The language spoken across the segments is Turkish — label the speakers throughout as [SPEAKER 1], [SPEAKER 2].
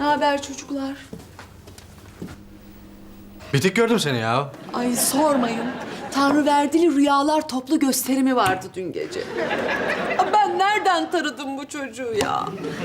[SPEAKER 1] haber çocuklar?
[SPEAKER 2] Bitik gördüm seni ya.
[SPEAKER 1] Ay sormayın. Tanrıverdili rüyalar toplu gösterimi vardı dün gece. Ben nereden tanıdım bu çocuğu ya?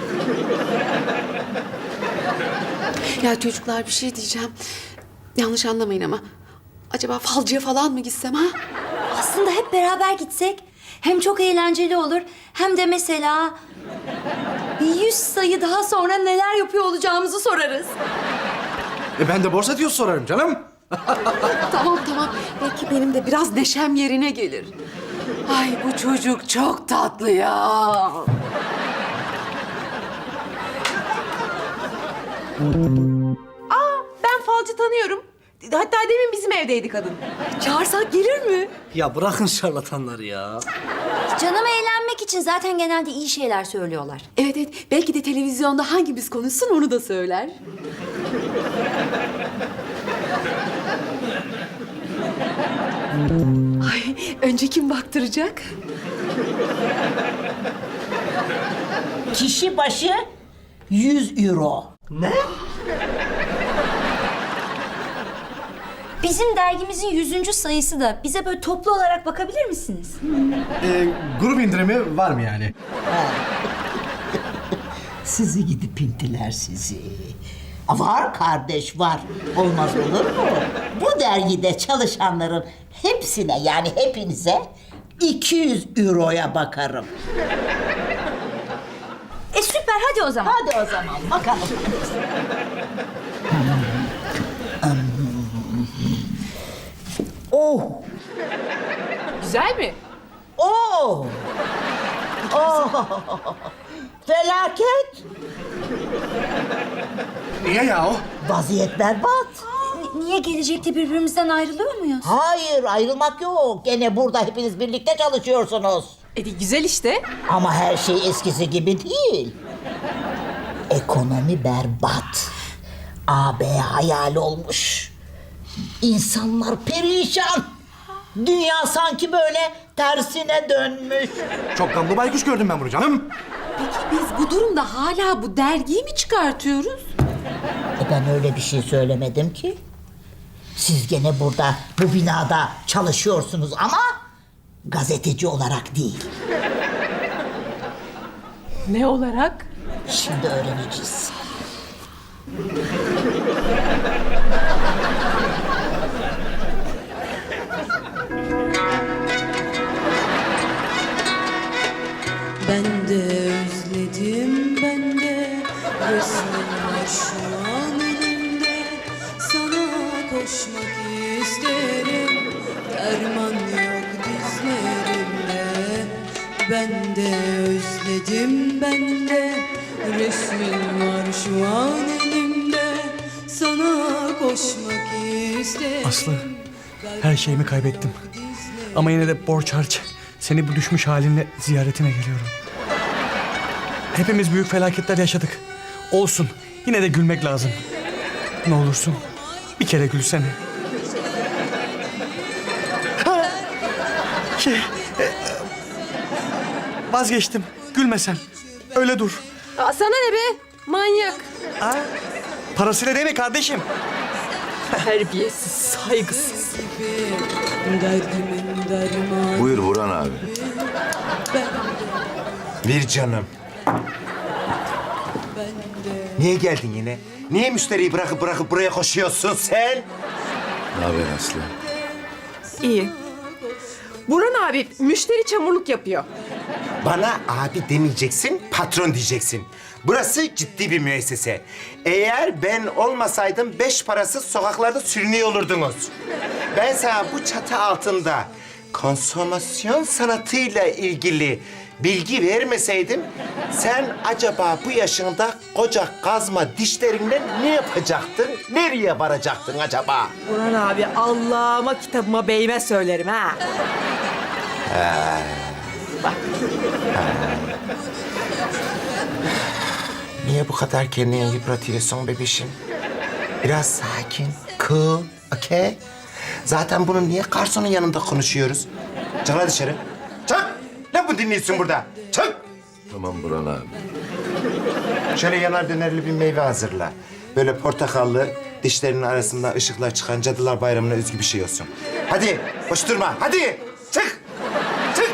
[SPEAKER 1] Ya çocuklar bir şey diyeceğim. Yanlış anlamayın ama. Acaba falcıya falan mı gitsem ha?
[SPEAKER 3] Aslında hep beraber gitsek hem çok eğlenceli olur hem de mesela bir 100 sayı daha sonra neler yapıyor olacağımızı sorarız.
[SPEAKER 2] Ben de borsa diyor sorarım canım.
[SPEAKER 1] Tamam. Belki benim de biraz neşem yerine gelir. Ay bu çocuk çok tatlı ya.
[SPEAKER 4] Ben falcı tanıyorum. Hatta demin bizim evdeydi kadın.
[SPEAKER 1] Çağırsak gelir mi?
[SPEAKER 5] Ya bırakın şarlatanları ya.
[SPEAKER 3] Canım eğlenmek için zaten genelde iyi şeyler söylüyorlar.
[SPEAKER 1] Evet. Belki de televizyonda hangimiz konuşsun onu da söyler. Ay, önce kim baktıracak?
[SPEAKER 6] Kişi başı 100 euro.
[SPEAKER 3] Bizim dergimizin 100. sayısı da bize böyle toplu olarak bakabilir misiniz?
[SPEAKER 2] Grup indirimi var mı yani?
[SPEAKER 6] Sizi gidip pintiler sizi. Var kardeş var. Olmaz olur mu? Bu dergide çalışanların hepsine yani hepinize 200 euroya bakarım.
[SPEAKER 3] Süper hadi o zaman.
[SPEAKER 6] Hadi o zaman bakalım. Oh!
[SPEAKER 4] Güzel mi?
[SPEAKER 6] Oh! Oh! Felaket!
[SPEAKER 2] Niye ya o?
[SPEAKER 6] Vaziyet berbat.
[SPEAKER 3] Niye gelecekte birbirimizden ayrılıyor muyuz?
[SPEAKER 6] Hayır, ayrılmak yok. Gene burada hepiniz birlikte çalışıyorsunuz.
[SPEAKER 4] Güzel işte.
[SPEAKER 6] Ama her şey eskisi gibi değil. Ekonomi berbat. AB hayal olmuş. İnsanlar perişan. Dünya sanki böyle tersine dönmüş.
[SPEAKER 2] Çok gamlı baykuş gördüm ben bunu canım.
[SPEAKER 1] Peki biz bu durumda hala bu dergiyi mi çıkartıyoruz?
[SPEAKER 6] Ben öyle bir şey söylemedim ki. Siz gene burada, bu binada çalışıyorsunuz ama gazeteci olarak değil.
[SPEAKER 4] Ne olarak?
[SPEAKER 6] Şimdi öğreneceğiz.
[SPEAKER 7] Ben de özledim, ben de resmin var şu an önümde. Sana koşmak isterim, derman yok dizlerimde. Ben de özledim, ben de resmin var şu an elimde. Sana koşmak isterim.
[SPEAKER 5] Aslı, her şeyimi kaybettim. Ama yine de borç harç. Seni bu düşmüş halinle ziyaretine geliyorum. Hepimiz büyük felaketler yaşadık. Olsun, yine de gülmek lazım. Ne olursun, bir kere gülsene. Vazgeçtim, gülme sen. Öyle dur.
[SPEAKER 4] Sana ne be? Manyak.
[SPEAKER 5] Parasıyla değil mi kardeşim?
[SPEAKER 4] Terbiyesiz, saygısız.
[SPEAKER 7] Derdimin dermanı.
[SPEAKER 8] Buyur Burhan abi. Bir canım. Niye geldin yine? Niye müşteriyi bırakıp buraya koşuyorsun sen?
[SPEAKER 2] Ne haber Aslı?
[SPEAKER 4] İyi. Burhan abi müşteri çamurluk yapıyor.
[SPEAKER 8] Bana abi demeyeceksin, patron diyeceksin. Burası ciddi bir müessese. Eğer ben olmasaydım 5 parasız sokaklarda sürünüyor olurdunuz. Ben sana bu çatı altında konsomasyon sanatıyla ilgili bilgi vermeseydim... sen acaba bu yaşında koca kazma dişlerinle ne yapacaktın? Nereye varacaktın acaba?
[SPEAKER 4] Burhan abi Allah'ıma kitabıma beyime söylerim ha.
[SPEAKER 8] Niye bu kadar kendini yıpratıyorsun bebişim? Biraz sakin, cool, okay? Zaten bunu niye garsonun yanında konuşuyoruz? Çık lan dışarı. Çık! Ne bu dinliyorsun burada? Çık!
[SPEAKER 2] Tamam Burhan abi.
[SPEAKER 8] Şöyle yanar dönerli bir meyve hazırla. Böyle portakallı, dişlerinin arasında ışıklar çıkan Cadılar Bayramı'na özgü bir şey olsun. Hadi, boş durma. Hadi, çık. Çık.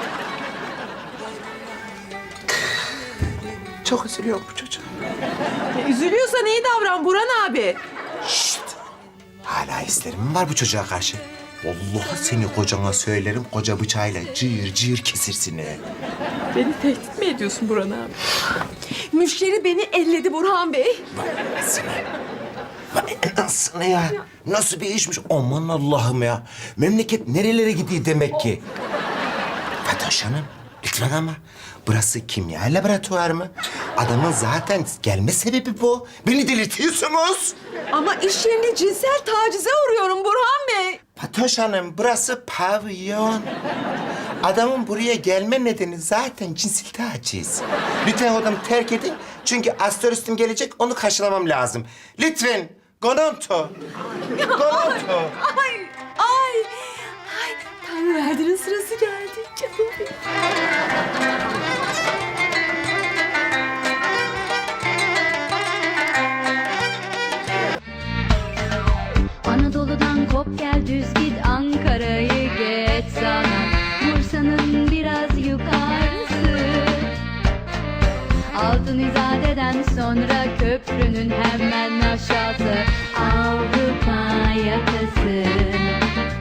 [SPEAKER 8] Çok üzülüyorum bu çocuğa.
[SPEAKER 4] Üzülüyorsan iyi davran Burhan abi.
[SPEAKER 8] Şşt! Hala hislerim mi var bu çocuğa karşı? Vallahi seni kocana söylerim, koca bıçağıyla cıyır cıyır kesirsin he.
[SPEAKER 4] Beni tehdit mi ediyorsun Burhan abi? Müşteri beni elledi Burhan Bey.
[SPEAKER 8] Vay anasını ya. Nasıl bir işmiş? Aman Allah'ım ya. Memleket nerelere gidiyor demek ki? Fatoş Hanım, lütfen ama. Burası kimya laboratuvarı mı? Adamın zaten gelme sebebi bu. Beni delirtiyorsunuz.
[SPEAKER 4] Ama iş yerinde cinsel tacize uğruyorum Burhan Bey.
[SPEAKER 8] Fatoş Hanım, burası pavyon. Adamın buraya gelme nedeni zaten cinsel taciz. Lütfen odamı terk edin. Çünkü astrolojim gelecek, onu karşılamam lazım. Lütfen, gononto. Gononto.
[SPEAKER 1] Ay, ay, ay. Tanrı verdinin sırası geldi canım benim.
[SPEAKER 9] Anadolu'dan kop gel düz git Ankara'yı geç sana Bursa'nın biraz yukarısı Altın İzade'den sonra köprünün hemen aşağısı Avrupa yakası